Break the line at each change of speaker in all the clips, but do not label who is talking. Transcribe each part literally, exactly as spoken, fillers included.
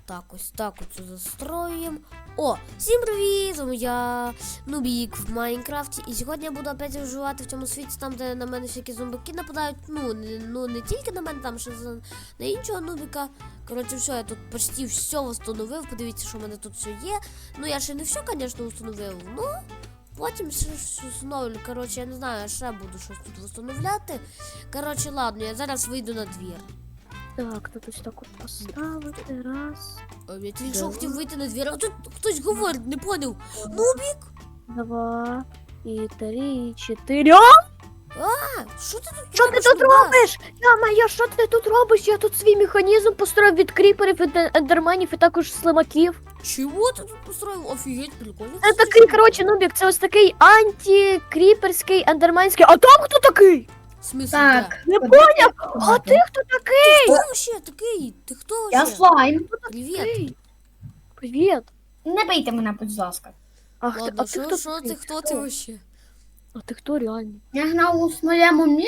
Так, ось так оцю застроюємо. О, всім привіт! З вами я, Нубік в Майнкрафті. І сьогодні я буду опять вживати в цьому світі, там, де на мене всякі зомбаки нападають. Ну, не, ну, не тільки на мене, там ще на іншого Нубіка. Коротше, все, я тут почти все встановив. Подивіться, що в мене тут все є. Ну, я ще не все, звісно, встановив. Ну, потім ще встановлю. Коротше, я не знаю, я ще буду щось тут встановляти. Коротше, ладно, я зараз вийду на двір.
Так, тут ось так от поставити, раз,
А я тільки що хотів вийти на двір, а тут хтось говорить, не поняв. Нубік?
два, і три, і чотири. А,
А, що ти тут
що ти
робиш,
тут
Нубас?
робиш? Я моя, що ти тут робиш? Я тут свій механізм построїв від кріперів, від е- ендерменів і також слимаків.
Чого ти тут построїв? Офігеть, прикольно.
Це такий, коротше, Нубік, це ось такий антикріперський, ендерменський. А там хто такий?
В смысле,
Так,
де?
Не поняв? А ти хто такий?
Хто вообще такий? Ти хто
я
вообще?
слайм.
Привіт.
Привіт.
Не бийте мене, будь ласка.
Ах, ти,
Ладно,
а ти
що,
хто
що
такий?
ти, хто ти вообще?
А ти хто реально?
Я грав у своєму мі...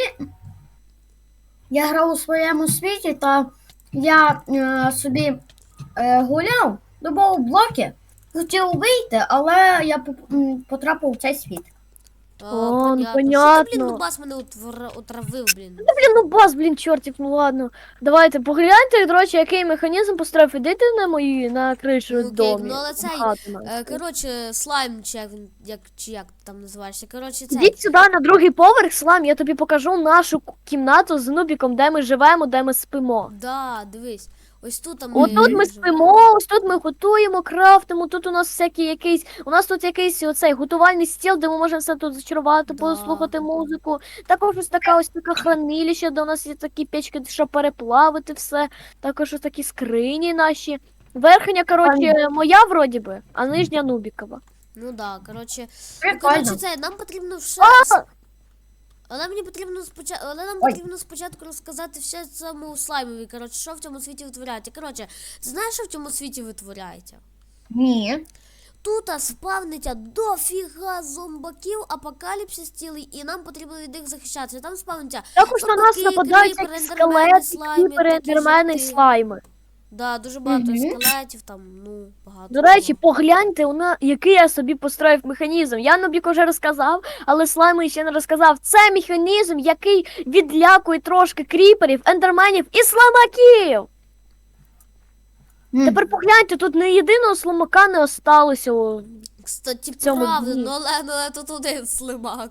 Я грав у своєму світі, та я е, собі е, гуляв, добав блоки, хотів вийти, але я поп- м, потрапив у цей світ.
А,
О, ну,
Що ти, блін,
понятно.
Нубас мене отвра- отравив, блін.
Та, блін, ну бас, блін, чортів, ну ладно. Давайте, погляньте, до речі, який механізм построїв. Ідите на мої, на кришу
Ну, окей,
домі.
ну, але цей,
хату нашу.
Е, коротше, слайм, чи як, він- як, чи як ти там називаєшся. Коротше, цей.
Ідіть сюди на другий поверх, Слам, я тобі покажу нашу к- кімнату з Нубіком, де ми живемо, де ми спимо.
Да, дивись. Ось тут там
Отут ми
живемо.
спимо, ось тут ми готуємо, крафтимо, тут у нас всякий якийсь, у нас тут якийсь оцей готувальний стіл, де ми можемо все тут зачарувати,
Да.
послухати музику. Також ось така ось така хранилище, де у нас є такі печки, щоб переплавити все. Також ось такі скрині наші. Верхня, коротше, моя вроді би, а нижня Нубікова.
Ну да, коротше. Ну,
Прикольно.
коротше, це, нам потрібно все.
А!
Але мені потрібно спочатку, але нам
Ой.
потрібно спочатку розказати все цьому слаймові, коротше, що в цьому світі витворяється. Коротше, ти знаєш, що в цьому світі витворяється?
Ні.
Тут спавниться дофіга зомбаків, апокаліпсис цілий, і нам потрібно від них захищатися. Там спавниться.
Також на нас
Зомбаки,
нападають
кріпери,
якісь
ендермени,
скелети,
слайми,
кріпери,
такі
ендермени і
жовті.
слайми.
Да, дуже багато
Мгм.
скелетів, там, ну, багато.
До речі,
всього.
погляньте, на який я собі построїв механізм. Я Нубік вже розказав, але слайми ще не розказав. Це механізм, який відлякує трошки кріперів, ендерменів і слаймаків.
М.
Тепер погляньте, тут не єдиного слимака не осталося. о.
Кстати,
цьому
правда,
дні.
ну але, ну, але тут один слимак.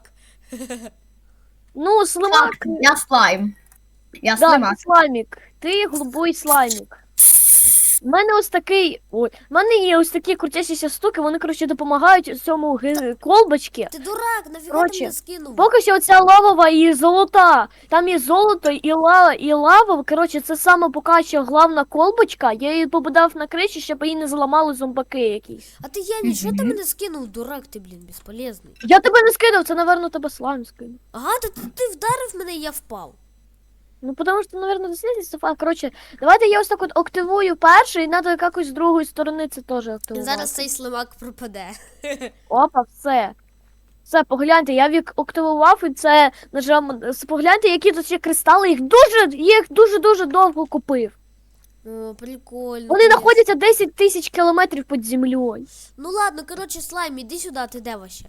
Ну, слимак,
Так, я слайм. Я
да,
слимак.
ти слаймік. Ти голубий слаймік. У мене ось такий. Ой, в мене є ось такі крутящіся штуки, вони, коротше, допомагають цьому ги- колбочці.
Ти дурак, нафіга ти
Коротше,
мене скинув?
Поки що оця лавова і золота. Там є золото і лава, і лава. Коротше, це саме поки що главна колбочка. Я її побудав на криші, щоб її не зламали зомбаки якісь.
А ти Єві, що ти
Мгм.
мене скинув, дурак ти, блін, безполезний.
Я тебе не скидав, це, напевно, тебе слайм скинув.
Ага, ти, ти, ти вдарив мене і я впав.
Ну, тому що, напевно, дослідність. А, коротше, давайте я ось так от активую перший, і треба якось з другої сторони це теж
І
активувати.
зараз цей слимак пропаде.
Опа, все. Все, погляньте, я вік активував і це нажав. Погляньте, які тут є кристали, їх дуже, їх дуже-дуже довго купив.
О, прикольно.
Вони
конечно.
знаходяться десять тисяч кілометрів під землею.
Ну ладно, коротше, слайм, іди сюди, ти де вообще?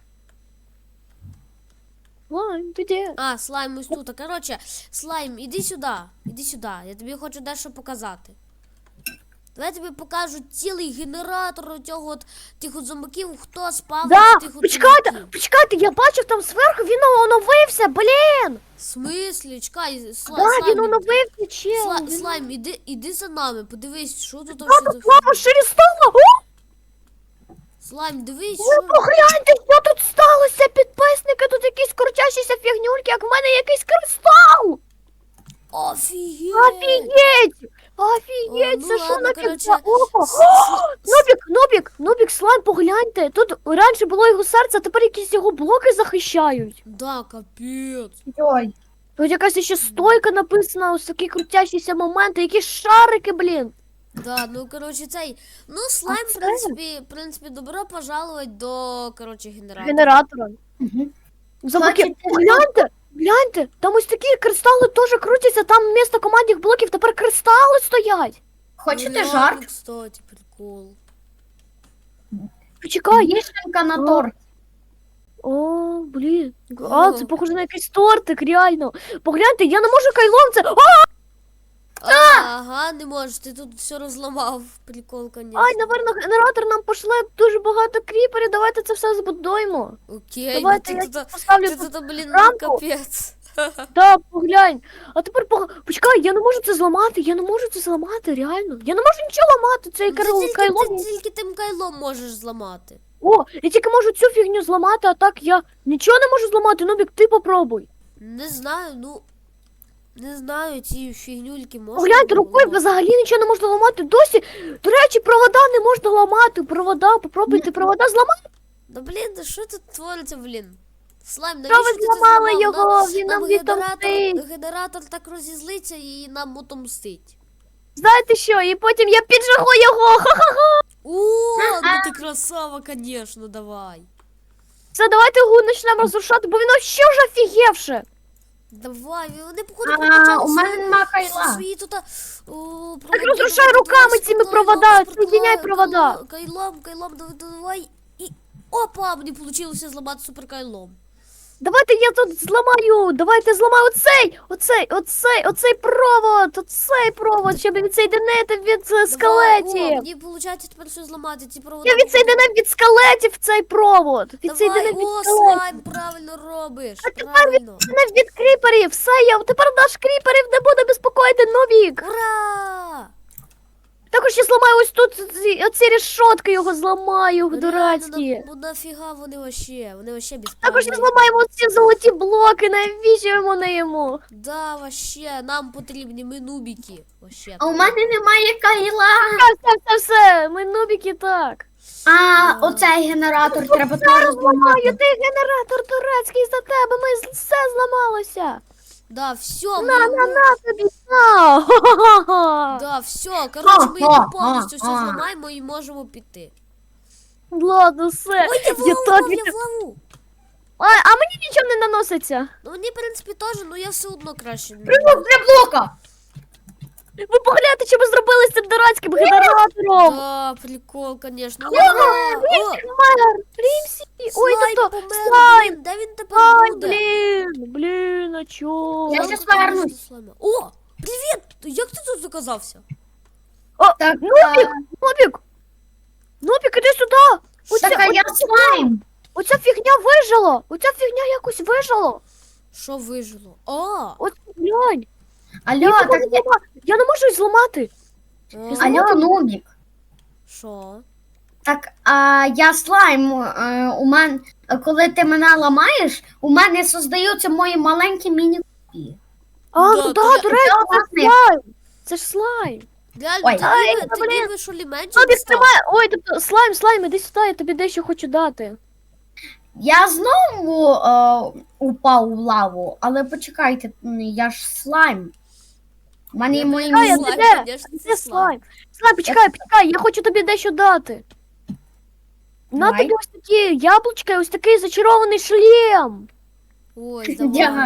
Слайм, ти де?
А, слайм ось тут. Коротше, слайм, іди сюди, іди сюди. Я тобі хочу дещо показати. Давай я тобі покажу цілий генератор цього от тих от зомбаків, хто спав
Да,
тих от
почекайте,
зомбаків.
почекайте, я бачив там зверху, він оновився, блін!
В смислі, чекай, сла,
Да,
слайм,
він оновився, чел.
сла,
він-
слайм, іди, іди за нами, подивись, що тут
Да,
вообще
тут
за
лава
фігня.
шире стала. О,
Слайм, дивись,
ви
що...
погляньте, що тут сталося, підписники, тут якісь крутящіся фігнюльки, як в мене якийсь кристал.
Офігеть!
Офігеть!
О,
Офігеть,
ну
це що
ладно,
на
коротше,
кільця око?
с- с-
Нубік, Нубік, Нубік, слайм, погляньте. Тут раніше було його серце, а тепер якісь його блоки захищають.
Да, капець.
Ой.
Тут якась ще стойка написана, ось такі крутящіся моменти, якісь шарики, блін.
Да, ну коротше цей. Ну, слайм, в
це?
принципі, в принципі, добро пожаловать до, коротше, генератора.
Генератора.
Угу.
Замки,
Значить,
гляньте, гляньте, там ось такі кристали теж крутяться, там вмісто командних блоків тепер кристали стоять.
Хочете
Ну, реально,
жарт?
кстати, прикол.
Почекай, є.
Вишенка на
О.
торт.
О, блін. А,
О.
це похоже на якийсь тортик, реально. Погляньте, я не можу кайлом це. О,
Ага, не можеш, ти тут все розламав. Прикол, конечно.
ай, напевно, генератор нам пошле дуже багато кріперів. Давайте це все збудуємо.
Окей, ну
Давайте
ти
я
тут,
їх поставлю
ти
тут.
тут, блін,
рамку.
капець.
Так, поглянь. А тепер пог... почекай, я не можу це зламати, я не можу це зламати, реально. Я не можу нічого ламати, цей
Ну, Ти
кайло.
тільки,
кайло.
ти тільки тим кайлом можеш зламати.
О, я тільки можу цю фігню зламати, а так я нічого не можу зламати. Нубік, ти попробуй.
Не знаю, ну. Не знаю, ці фігнюльки можна.
Погляньте,
було
рукою
ламати?
взагалі нічого не можна ламати. Досі, до речі, провода не можна ламати. Провода, попробуйте провода зламати.
Да блін, да що тут твориться, блін? Слайм,
Що
навіщо
ви
ти це
зламали
зламав?
його?
Нам,
Він нам
нам
відомстить.
генератор, генератор так розізлиться і нам отомстить.
Знаєте що, і потім я піджигу його. Ха-ха-ха.
О, ну ти красава, конечно, давай.
Все, давайте його почнемо розрушати, бо він ще ж офігевше.
Давай, вони походу
А,
прокачали
у мене
свої-
нема кайла.
свої тут. а, о,
Так
проводи,
розрушай
давай,
руками
давай,
цими
спортивно,
провода,
спортивно,
соединяй провода.
кайло- Кайлом, кайлом, давай, давай. І опа, мені вийшло зламати суперкайлом.
Давайте я тут зламаю. Давайте зламаю оцей, оцей, оцей, оцей провод, оцей провод, щоб відсоєдинити від е,
Давай, о,
скелетів.
мені виходить тепер все зламати, ці провода.
Я відсоєдинив від скелетів цей провод.
Давай,
Відсоєдинив від
о,
скелетів.
слайм, правильно робиш,
А тепер
правильно.
Відсоєдинив від кріперів. Все, я тепер наш кріперів не буде безпокоїти Нубік.
Ура!
Також я зламаю ось тут ці- оці рішотки його зламаю,
Ну,
дурацькі.
реально, на- ну нафіга вони вообще, вони вообще
Також
безправні.
ми зламаємо ці золоті блоки, навіщо вони йому?
Да, вообще, нам потрібні ми нубіки. Вообще.
А у мене немає кайла.
Все, все, все, все, ми нубіки так.
А, оцей генератор треба теж
Зламаю,
зламати.
ти генератор турецький за тебе, ми з- все зламалося.
Да, все,
На,
ми,
на,
ми-
на тобі, на. Ха-ха-ха.
да, все, коротше, ми
Ха,
його
ха,
повністю все
ха.
зламаємо і можемо піти.
Ладно, все.
Ой, я в
Я
лаву,
так
впав, я
від-
в лаву.
А, а мені нічого не наноситься.
Ну мені, в принципі, теж, ну я все одно краще. не
Прибув
буду.
для блока.
Ви погляньте, що ви зробили з цим дурацьким генератором.
Да, прикол, конечно. О,
Помер, Рімсі. Ой,
слайм
тобто,
помер,
слайм.
блін, де він тепер
Ай,
буде?
блін, блін, а чо?
Я
Жалко,
щас
конечно,
повернусь.
слайма. О, привіт! Як ти тут оказався?
Так,
Нубік, Нубік. Нубік, іди сюди. Оця,
так, а я
оця,
слайм.
оця фігня вижила. Оця фігня якось вижила.
Що вижило? А,
Ось глянь.
Алло,
Я,
так,
не можу зламати. Я не можу її зламати.
а,
алло, Нубік.
що?
Так, а я слайм. е, У мене, коли ти мене ламаєш, у мене создаються мої маленькі міні-копії.
А,
Да,
ну
то
да,
я-
до речі,
я
це
власне-
слайм. Це ж слайм.
Реально,
Ой.
Ай,
тоді, ви-
блін.
тоді ви що лі менше
Нубік,
став?
тримай. Ой, тобто, слайм, слайм, іди сюди, я тобі дещо хочу дати.
Я знову е, упав у лаву, але почекайте, м, я ж слайм. У мене
Я
і мої
Чекай, а
слайм,
ти де?
конечно,
А
це
Де
слайм.
слайм? Слайм, почекай, почекай, я хочу тобі дещо дати. На
Давай.
тобі ось такі яблучка і ось такий зачарований шлем.
Ой,
Дякую.
давай.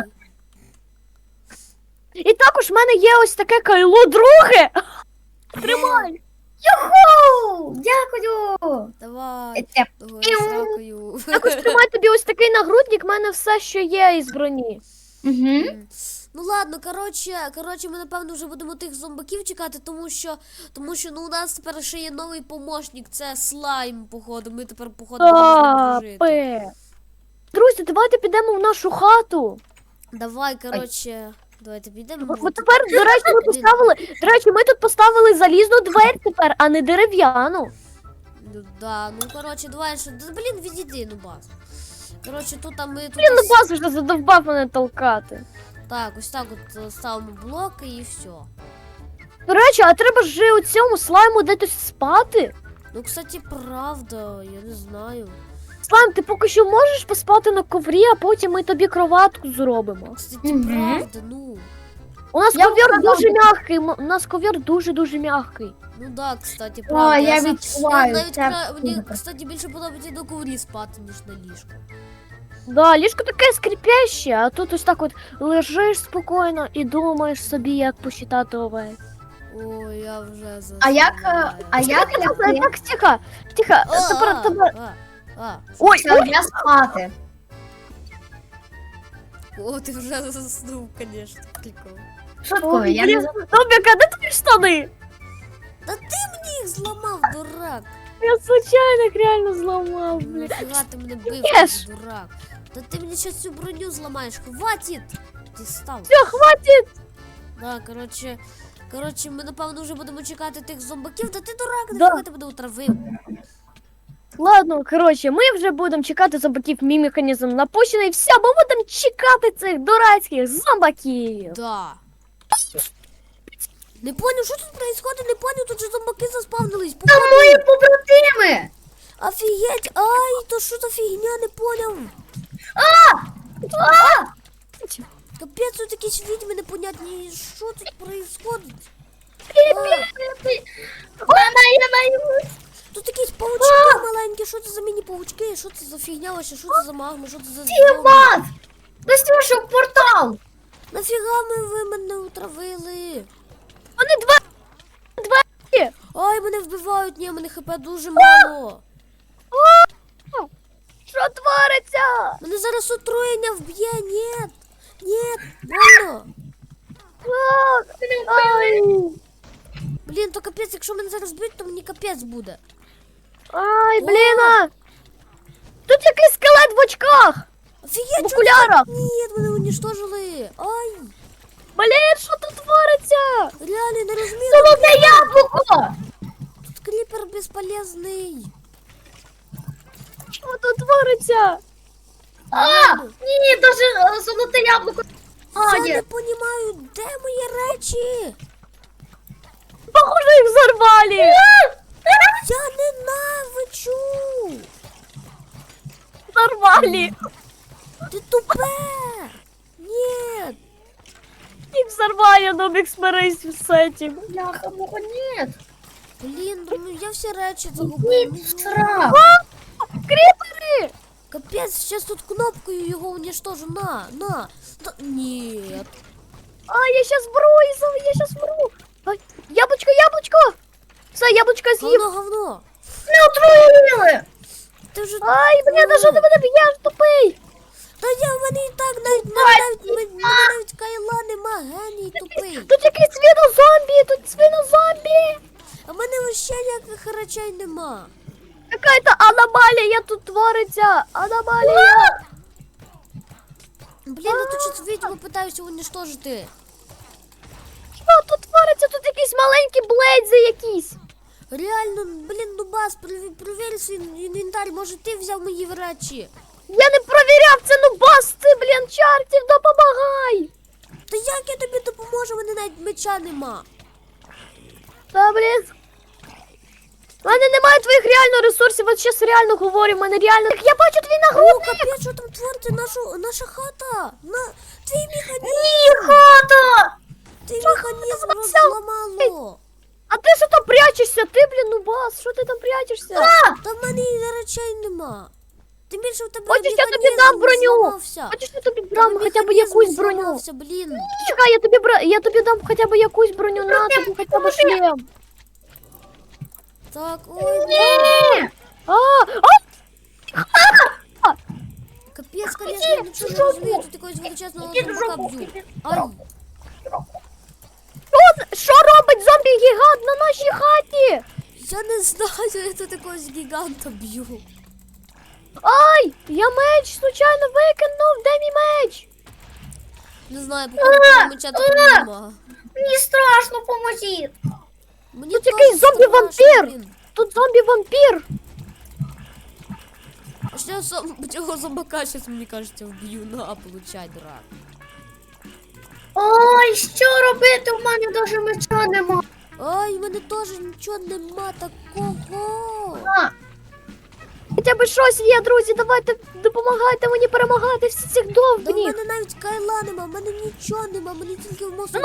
І також в мене є ось таке кайло друге. Тримай.
Юху! Дякую!
Давай.
Е,
Ой, сракою.
Також тримай тобі ось такий нагрудник, в мене все, що є із броні.
Угу.
Ну ладно, коротше, коротше, ми напевно вже будемо тих зомбаків чекати, тому що, тому що ну у нас тепер ще є новий помощник, це слайм, походу. Ми тепер походу будемо з ним дружити.
Папе. Друзі, давайте підемо в нашу хату.
Давай, коротше, давайте підемо.
Бо тепер, до речі, ми поставили. До речі, ми тут поставили залізну двері тепер, а не дерев'яну.
Ну да, ну коротше, давай, що. Да, блін, відійди, ну бас. Коротше, тут а ми тут.
Блін, ну
ось-
бас вже задовбав мене толкати.
Так, ось так от е, ставимо блоки і все.
До речі, а треба ж у цьому слайму десь спати.
Ну, кстати, правда, я не знаю.
Слайм, ти поки що можеш поспати на коврі, а потім ми тобі кроватку зробимо.
Кстати,
Мгм.
правда, ну.
У нас
Я
ковір
вгадала.
дуже м'який. м- У нас ковір дуже-дуже м'який.
Ну да, кстати,
О,
правда.
я
сам-
відчуваю.
я навіть
це
кра- мені,
супер.
кстати, більше подобається на коврі спати, ніж на ліжку.
Да, ліжко таке скрипяще, а тут ось так от лежиш спокійно і думаєш собі, як посчитати овець.
Ой, я вже засинаю.
А як, е, а як
Так,
лягти?
так, тихо, тихо.
А,
Тепер, тепер.
а, а.
Ой,
Все, я спати.
О, ти вже заснув, звісно, прикол.
Шуткую, я не
блін, Зомбік, а де твої штани?
Та ти мені їх зламав, дурак.
Я случайно їх реально зламав, блін.
Нафіга ти мене бив,
Єш.
дурак. Та ти мені щас цю броню зламаєш, хватить. Дістав.
Все, хватить.
Да, коротше, коротше, ми напевно вже будемо чекати тих зомбаків. Та ти дурак,
Да.
нафіга ти мене утравив.
Ладно, коротше, ми вже будемо чекати зомбаків, мій механізм напущений. Все, ми будемо чекати цих дурацьких зомбаків.
Да. Не поняв, що тут происходит, не поняв, тут же зомбаки заспавнились.
Та
Походу.
мої побратими!
Офігеть, ай, то що за фігня, не поняв.
А!
Капець, тут якісь відьми непонятні, що тут происходит?
Мама, я боюсь!
Тут якісь паучки маленькі, що це за міні-паучки, що це за фігня вообще, що це за магма, що це за зомбі?
Іван! Настюша, в портал!
Нафіга ми ви мене утравили?
Вони два.
Ай, мене вбивають, ні, мене хп дуже мало.
Що твориться?
Мене зараз отруєння вб'є, ні. Ні, больно.
Ай,
Блін, то капець, якщо мене зараз б'ють, то мені капець буде.
Ай, блін. а. Тут якийсь скелет в очках.
Офігеть,
В
що
окулярах.
це? Ні, мене уничтожили. Ай,
Блін, що тут твориться?
реально не розумію.
Солодне яблуко!
Тут кріпер безполезний.
Що тут твориться?
А! Ні, даже е, золоте яблуко.
Я
А,
не
є.
розумію, де мої речі?
Похоже, їх взорвали.
Я ненавичу.
Взорвали.
Ти тупе. Ні.
Їх взорвали, Нубик, смирись з цим.
Бляха, мого, ні.
Блін, ну я всі речі
Ні,
загубив. Ну,
страх.
Кріпери.
Капець, зараз тут кнопкою його уничтожу. На, на. Та- Ні.
А, я щас вру, Ізо, я щас вру. Ай, яблучко, яблучко. Все, яблучко з'їв.
Говно, говно.
Не отруїли!
Ти вже...
Ай, блін, а що ти мене б'єш, тупий?
Та я в мене і так навіть, мене навіть, мене мене навіть кайла нема, геній тупий.
Тут якийсь свинозомбі, тут свинозомбі.
А в мене вообще ніяких речей нема.
Какая-то аномалія тут твориться. Аномалія.
Блін, я тут щось відьму питаюся уничтожити.
Що тут твориться? Тут якісь маленькі блейдзи якісь.
Реально, блін, Нубас, прові- провір свій інвентар, може ти взяв мої речі?
Я не провіряв це, ну бас ти, блін, чартів, допомагай.
Та як я тобі допоможу, в мене навіть меча нема.
Та, блін. У мене немає твоїх реально ресурсів, от зараз реально говорю, в мене реально... Так я бачу твій
О,
нагрудник.
капець, що там твориться, нашу, наша хата. На, твій механізм,
Ні, хата!
твій механізм
називався?
розламало.
А ти що там прячешся? Ти, блін, ну бас, що ти там прячешся?
Та в мене і речей нема. Тим більше в тебе
Хочеш, я тобі
механізм
дам броню?
зламався.
Хочеш, я тобі
В
дам
тебе
хоча б
механізм
якусь броню?
зламався, блін.
Чекай, я тобі, бра... я тобі дам хоча б якусь броню, на тобі хоча б шлем.
Так, ой,
Ні!
А, а,
капець, конечно, я нічого не розумію, тут якогось величезного зомбака б'ють. Ай,
що, що робить зомбі-гігант на нашій хаті?
я не знаю, я тут якогось гіганта б'ю.
Ай, я меч случайно викинув, де мій меч?
Не знаю, походу того меча тут нема.
Мені страшно, поможіть!
Мені
Тут
теж
якийсь зомбі-вампір.
страшно, блін.
Тут зомбі-вампір.
А що я сам цього зомбака щас, мені кажеться, вб'ю. На, получай, дурак.
Ой, що робити? У мене навіть меча нема.
Ай, в мене теж нічого нема такого.
А,
Хоча б щось є, друзі, давайте допомагайте мені перемагати всі цих
Да в
довбніх.
мене навіть кайла нема, в мене нічого нема, мені тільки в мозку.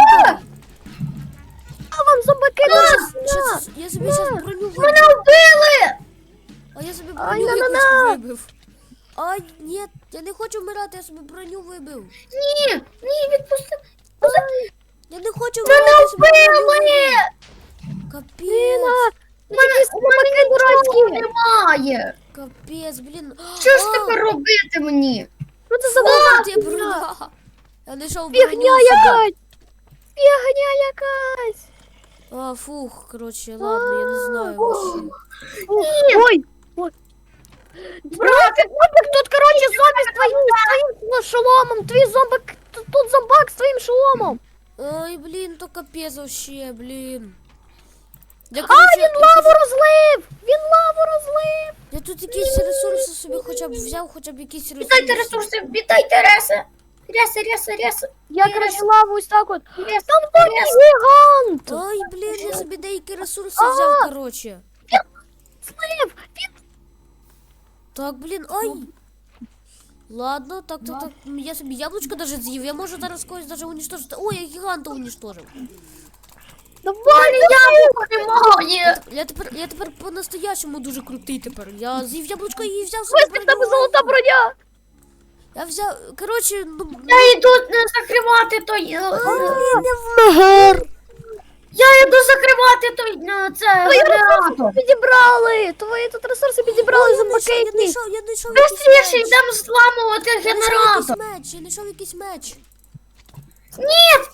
А вам зомбаки
Я,
дуже
щас-
сильно.
щас- я собі зараз броню
мене
вибив.
вбили!
А я собі
Ай,
броню
на-на-на.
якусь вибив. Ай, ні, я не хочу вмирати, я собі броню вибив.
Ні, ні, відпусти.
Я не хочу
Мене
вбиватися,
вбили!
Капець.
У мене, у мене нічого немає.
Капець, блін.
Що ж
А,
тепер робити мені?
Що це за
а, ти
броня?
броня. Я знайшов
Фігня
броню собі.
якась! Фігня якась!
А, фух, коротше, ладно, я не знаю вообще.
Ой! Ой! Братик, Нубик, тут, короче, зомбі з твоїм, з твоїм шоломом! Твій зомбак, тут, тут зомбак з твоїм шоломом!
Ой, блін, то капець вообще, блін. Я,
А,
коротше,
він лаву розлив! Він лаву розлив!
я тут якісь ресурси собі хоча б взяв, хоча б якісь
Віддайте
ресурси.
ресурси, віддайте реси. Реси, реси, реси.
Я, короче, лаву ось так от.
Реси,
Там такий
реси.
гігант!
Ой, блін, я собі деякі ресурси взяв, коротше.
Слив! Він...
Так, блін, ой. Ладно, так, так, так. Я собі яблучко даже з'їв. Я можу зараз когось даже уничтожити. Ой, я гіганта уничтожив.
Давай,
Яблуко немає.
Я тепер, я тепер по-настоящему дуже крутий тепер. Я з'їв яблучко і взяв собі
ось в тебе
броню.
золота броня!
Я взяв, коротше, ну...
Я йду е, закривати той. е, е,
Мегер.
Я йду закривати той. е, Це
Твої ресурси
генератор.
підібрали! Твої тут ресурси підібрали
Я
зомбаки
знайшов, я
якісь!
знайшов, я знайшов якийсь
Быстріше
меч.
йдемо зламувати
Я знайшов
генератор.
якийсь меч, я знайшов якийсь меч.
Ні!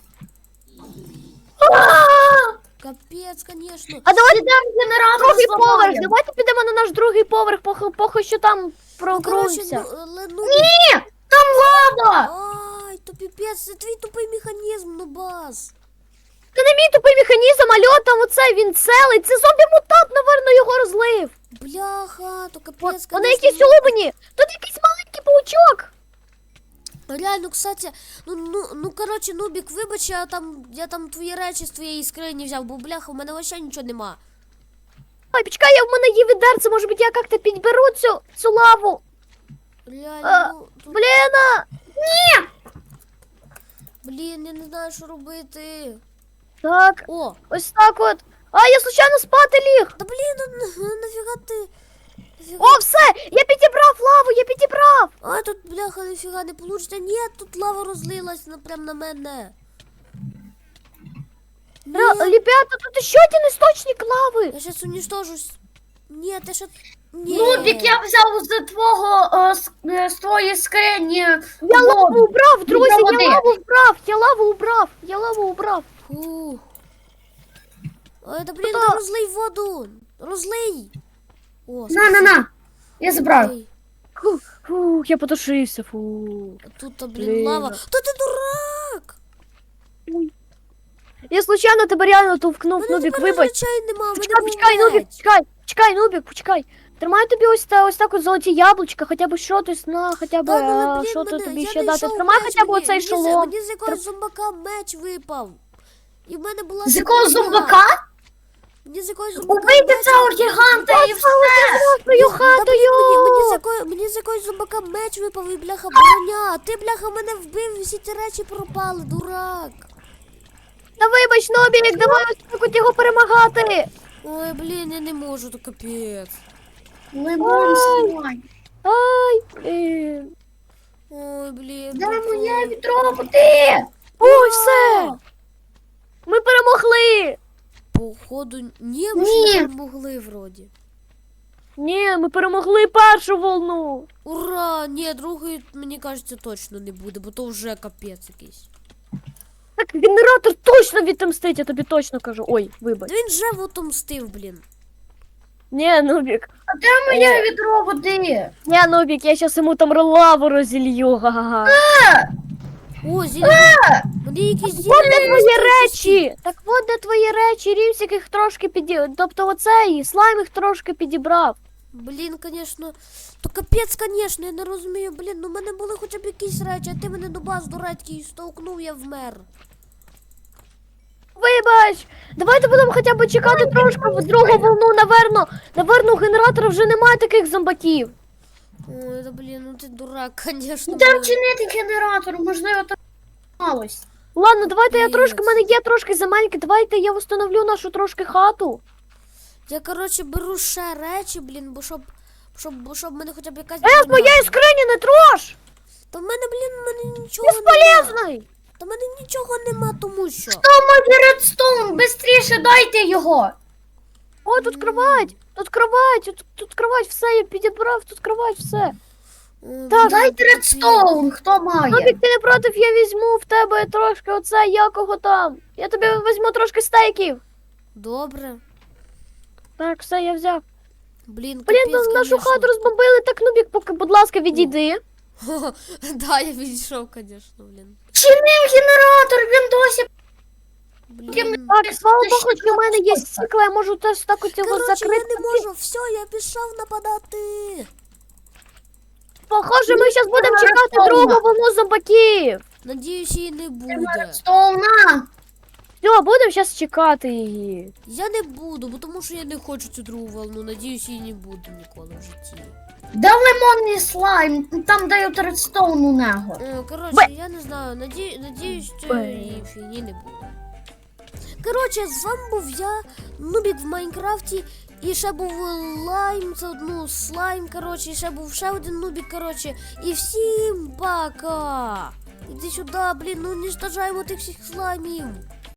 Капець, конечно.
А давайте
Йдемо генератор
другий поверх!
зламаємо.
Давайте підемо на наш другий поверх, похи, похи що там
Ну, коротше,
прогрується.
ну, але, ну,
Ні! Там лава!
ай, то піпець, це твій тупий механізм, ну бас.
Це не мій тупий механізм, а льот там оце, він целий. Це зомбі-мутант, наверно, його розлив.
Бляха, то капець,
Вони
конечно,
якісь
ну,
улубані. Тут якийсь маленький паучок.
реально, кстати, ну, ну, ну, коротше, Нубік, вибач, я там, я там твої речі з твоєї скрині взяв, бо, бляха, у мене вообще нічого нема.
Ой, почекай, я в мене є відерце, може бути, я як-то підберу цю, цю лаву.
Реально,
А,
ну, тут,
Блін, а!
блін, я не знаю, що робити.
Так,
О,
ось так от. А, я случайно спати ліг.
та блін, ну, на- нафіга ти, нафіга?
О, все, я підібрав лаву, я підібрав.
А, тут, бляха, нафіга не получиться. Ні, тут лава розлилась на, прям на мене. Ні,
Ра- Ребята, тут ще один істочник лави.
я сейчас уничтожусь. Ні, ти що... Ні.
Нубік, я взяв з твого е, з, е, з твоєї скрині.
Я
воду.
лаву убрав, друзі,
Для води.
я лаву убрав, я лаву убрав, я лаву убрав.
Фух. Ой, да блін,
Хто?
да розлий воду. Розлий. О,
На, на, на. Я забрав.
ой,
Фу, фу, я потушився, фу.
а тут, та, блін,
Блін.
лава. Та ти дурак!
Я случайно тебе реально товкнув,
Мене
Нубік,
тепер
вибач.
речей нема, в мене
Почекай,
був
почекай, Нубік,
меч.
почекай, почекай, Нубік, почекай. Тримаю тобі ось, та, ось так от золоті яблучка, хоча б що ти на, хоча б,
Та, ну,
а,
блін,
що то
мене-
тобі
я
ще дати.
знайшов
Тримай
меч,
хоча б
мені-
оцей
мені з-
шолом.
Мені з якогось зомбака меч випав. І в мене була...
З якого
золота.
зомбака?
Мені з якогось зомбака
Убийте
меч
цього
випав.
гіганта і все.
Твою
Та,
хату,
блін, мені, мені, з
йо!
якої, мені з якогось зомбака меч випав і бляха броня. А ти, бляха, мене вбив, і всі ці речі пропали, дурак.
Та вибач, Нубік, давай ось так от його перемагати.
Ой, блін, я не можу, то капець.
Лимон сливай.
Ай, блін.
Ой, блін.
Де
ну,
моє відро води?
Ой, все. Ми перемогли.
Походу, ні, ми
Ні.
ж не могли вроді.
Ні, ми перемогли першу волну.
Ура! Ні, другої, мені кажеться, точно не буде, бо то вже капець якийсь.
Так, генератор точно відомстить, я тобі точно кажу. Ой, вибач.
Та він же отомстив, блін.
Ні, Нубік.
А де моє відро води?
Ні, Нубік, я щас йому там лаву розілью, га-га-га.
О, зілля. Мені якісь зілля.
От де твої
просто
речі! Так от де твої речі, Рівсік їх трошки піді... Тобто оцей, слайм їх трошки підібрав.
Блін, конечно. То капець, конечно, я не розумію. Блін, ну в мене були хоча б якісь речі, а ти мене до баз дурацький стовкнув, я вмер.
Вибач! Давайте будемо хоча б чекати трошки в другу волну, наверно. Наверно, у генератора вже немає таких зомбаків.
Ой, да блін, ну ти дурак, конечно.
Де
блін.
вчинити генератор? Можливо, там малось.
Ладно, давайте я
Капець.
трошки, в мене є трошки земельки, давайте я встановлю нашу трошки хату.
Я, коротше, беру ще речі, блін, бо щоб, щоб, бо щоб в мене хоча б якась...
Е, з
броня
моєї
була.
скрині не трош!
Та в мене, блін, в мене нічого немає.
Безполезний!
Та в мене нічого нема, тому що.
Мой редстоун, бистріше дайте його.
О, тут кровать! Тут кровать! Тут, тут кровать, все, я підібрав, тут кровать, все.
О,
Так,
блін,
Дайте
капець.
редстоун, хто має?
Нобік, ти не проти, я візьму в тебе трошки оце, якого там. Я тобі візьму трошки стейків.
Добре.
Так, все, я взяв.
Блін,
Блін,
капець,
нашу
конечно.
хату розбомбили, так, Нубік, поки, будь ласка, відійди.
Да, я відійшов, звісно, блін.
Чинив генератор, він досі.
Блін.
Так, слава
Ти
Богу,
що
що в мене є
робиш?
стекла, я можу теж так от його
Коротше, я
закрити.
не можу, все, я пішов нападати.
Похоже, ми зараз будемо
Редстоуна.
чекати другу волну зомбаків.
Надіюсь, її не буде.
Редстоуна.
Все, будемо зараз чекати її.
Я не буду, бо тому що я не хочу цю другу волну. Надіюсь, її не буде ніколи в житті.
Де лимонний слайм? Там дають редстоун у нього.
Е, Коротше,
Бе.
я не знаю, наді... надіюсь, що
Бе.
її фігні не буде. Коротше, з вами був я, Нубік в Майнкрафті, і ще був лайм, це ну, слайм, коротше, і ще був ще один Нубік, коротше. І всім пока! Іди сюди, блін, ну уничтожаємо тих всіх слаймів.